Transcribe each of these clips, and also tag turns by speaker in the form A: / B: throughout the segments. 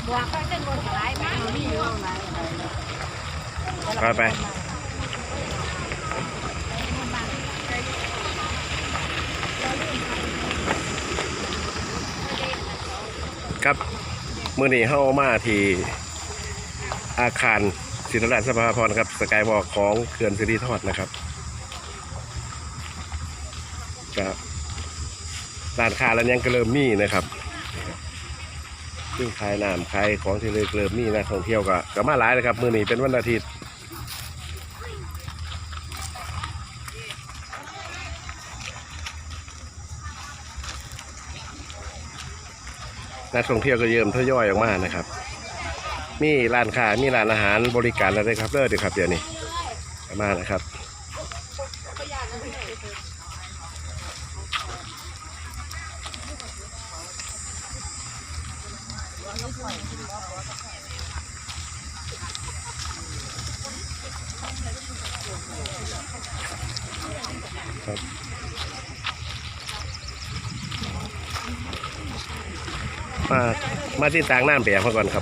A: บวกก็จะบวกหลายมากมีอยู่หลาย
B: ไปครับมื้อนี้เข้ามาที่อาคารศิริราชสภาพรครับสกายวอล์กของเขื่อนสิริธรนะครับครับร้านค้าแล้วยังก็เริ่มมีนะครับซึ่งขายน้ำขายของที่เลยเริ่มมีนักท่องเที่ยวก็มาหลายเลยครับมื้อนี้เป็นวันอาทิตย์นักท่องเที่ยวก็เยิ่มทยอยออกมานะครับมีร้านค้ามีร้านอาหารบริการอะไรครับเด้อครับเดี๋ยวนี้มานะครับครับมาที่ต่างน้ำเปียกมาก่อนครับ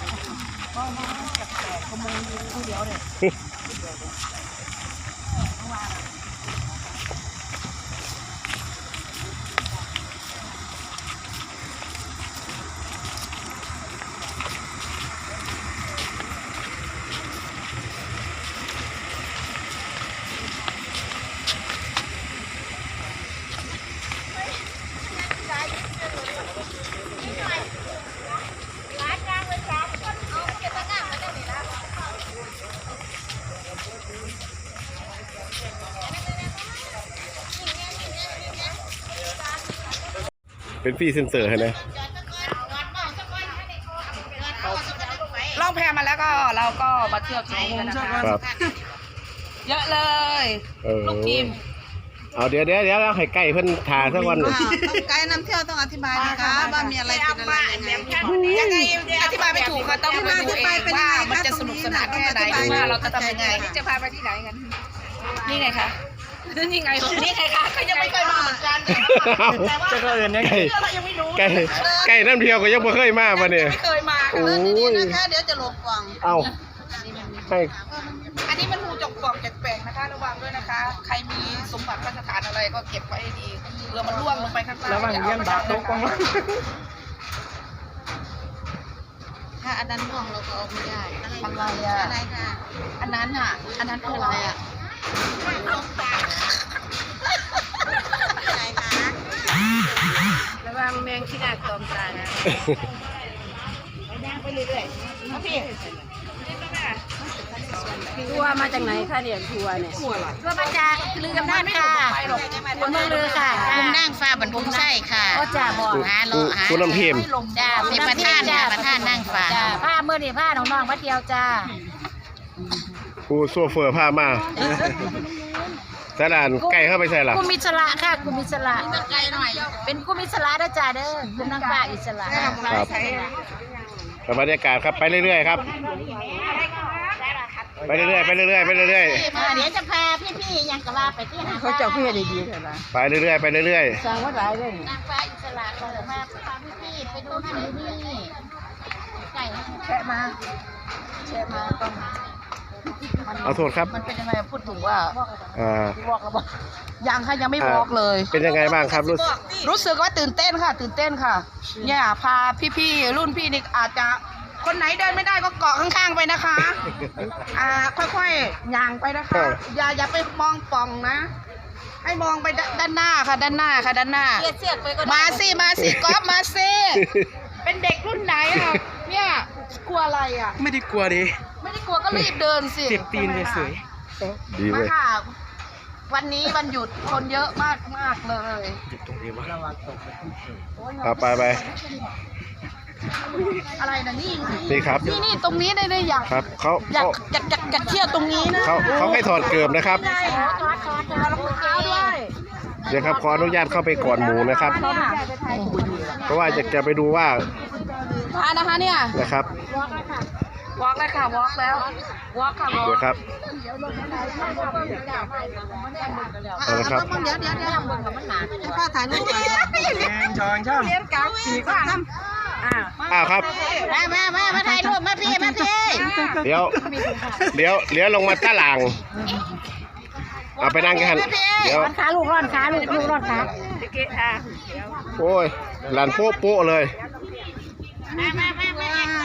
B: เป็นฟรีเซนเซอร์ให้นะ
A: ล่องแพมาแล้วก็เราก็มาเที่ยวชมกันนะครับเยอะเลยลูกทีม
B: เอาเดี๋ยวให้ไก่เพิ่นทาสักวัน
C: ไกด์นำเที่ยวต้องอธิบายนะคะว่ามีอะไรกินอะไร
A: ยังไงอธิบายไม่ถูกค่ะต้องไปดูเองว่ามันจะสนุกสนานแค่ไหนหรือว่าเราจะทำยังไงจะพาไปที่ไหนกันนี่ไงคะนี่ไงคะเขายังไม่เคยมาเหมือนกันแต่ว่าเรายังไม่รู้
B: ไก่น้ำเที่ยวก็ยังไม่เคยมาป่ะเนี่ย
A: ไม่เคยมา
B: โอ้ย
C: นะคะเดี๋ยวจะหลบกล่อง
B: เอาให้
A: อันนี้มันหูจกกล่องแปลกๆนะคะระวังด้วยนะคะใครมีสมบัติราชการอะไรก็เก็บไว้ให้ดีเรือมันร่วงลงไปข้างล่าง
B: ระวังเลี้ยงบาดตกกล่อง
C: ถ้าอันนั้นร่วงเราก็เอาไม่ได้
A: อะไรค่ะอันนั้นอ่ะอันนั้นคืออะไรอ่ะระวังแมงขี้ดาตอมตานะไปย่างไปเรื่อยๆพี่ทัวร์มาจากไหนคะเนี่ยทัวร์เนี่ยทัวร์มาจากลืมนั่นค่ะคนเมืองลือค่ะ
C: คุณนั่งฟ้าบรรทุกไส้ค่ะ
A: ก็จะบอก
B: คุณน้ำเทียม
C: จ้าเป็นประธานค่ะประธานนั่งฟ้า
A: ผ้าเมื่อนี่ผ้าน้องๆมาเที่ยวจ้า
B: ผู้โซเฟอร์พามาสถานไก่เข้าไปใส่หรอ
A: กุมิสระค่ะกุมิสระเป็นกุมิสระนะจ้าเด้อคุณนางฟ้าอิสระ
B: ครับบรรยากาศครับไปเรื่อยๆครับไปเรื่อยๆเดี๋
A: ยวจะพาพี่ๆยังกะว่าไปที่หา
C: เขาจะพี่ดีๆเลยนะ
B: ไปเรื่อย
C: สร้างวัดหลายเลย
A: นางฟ้าอิสระเราจะพาพี่ๆไปดูนั่นดูนี่ไก่
C: แชะมาต้อง
B: เอาโทษครับ
C: มันเป็นยังไงพูดถึงว่า
A: บอกแล้วบอก
C: ยังค่ะยังไม่บอกเลย
B: เป็นยังไงบ้างครับ
C: รู้สึกว่าตื่นเต้นค่ะเนี่ยพาพี่ๆรุ่นพี่นี่อาจจะคนไหนเดินไม่ได้ก็เกาะข้างๆไปนะคะค่อยๆย่างไปนะคะอย่าไปมองป่องนะให้มองไปด้านหน้าค่ะด้านหน้ามาสิก๊อฟมาสิเป็นเด็กรุ่นไหนอ่ะเนี่ยกลัวอะไรอ่ะ
B: ไม่ได้กลัวดิ
C: ไม่ได้กลัวก็รีบเดินสิ
B: เจ็บตีนเลยสวยดีเลย
C: ค่ะวันนี้วันหยุดคนเยอะมากเลย
B: หยุดตรงนี้วะไป
C: อะไรนะ
B: นี่ครับ
C: นี่ตรงนี้ได้อยาก
B: ครับเขา
C: อยากเที่ยวตรงนี้นะ
B: เขาให้ถอดเกือบนะครับ
C: ด้วย
B: เดี๋ยวครับขออนุญาตเข้าไปก่อนหมูนะครับเพราะว่าจะไปดูว่า
C: พานะคะเนี่ย
B: นะครับ
C: วอล์กเลยค่ะวอล์กแล้ววอล์กค่ะ
B: เดี๋ยวครับเอาละครับ
C: เดี๋ยวพ่อถ่ายรูปไป
B: ช่อง
A: เลี้ยงกาสีข้าง
B: อ้าวครับ
C: มาถ่ายรูปมาพี่
B: เดี๋ยวลงมาตะหลังเอาไปนั่งกันเดี๋ยว
C: ขาลูกร้อนขาลูกร้อนขา
B: โอ้ยหลานโป๊ะเลย
C: มา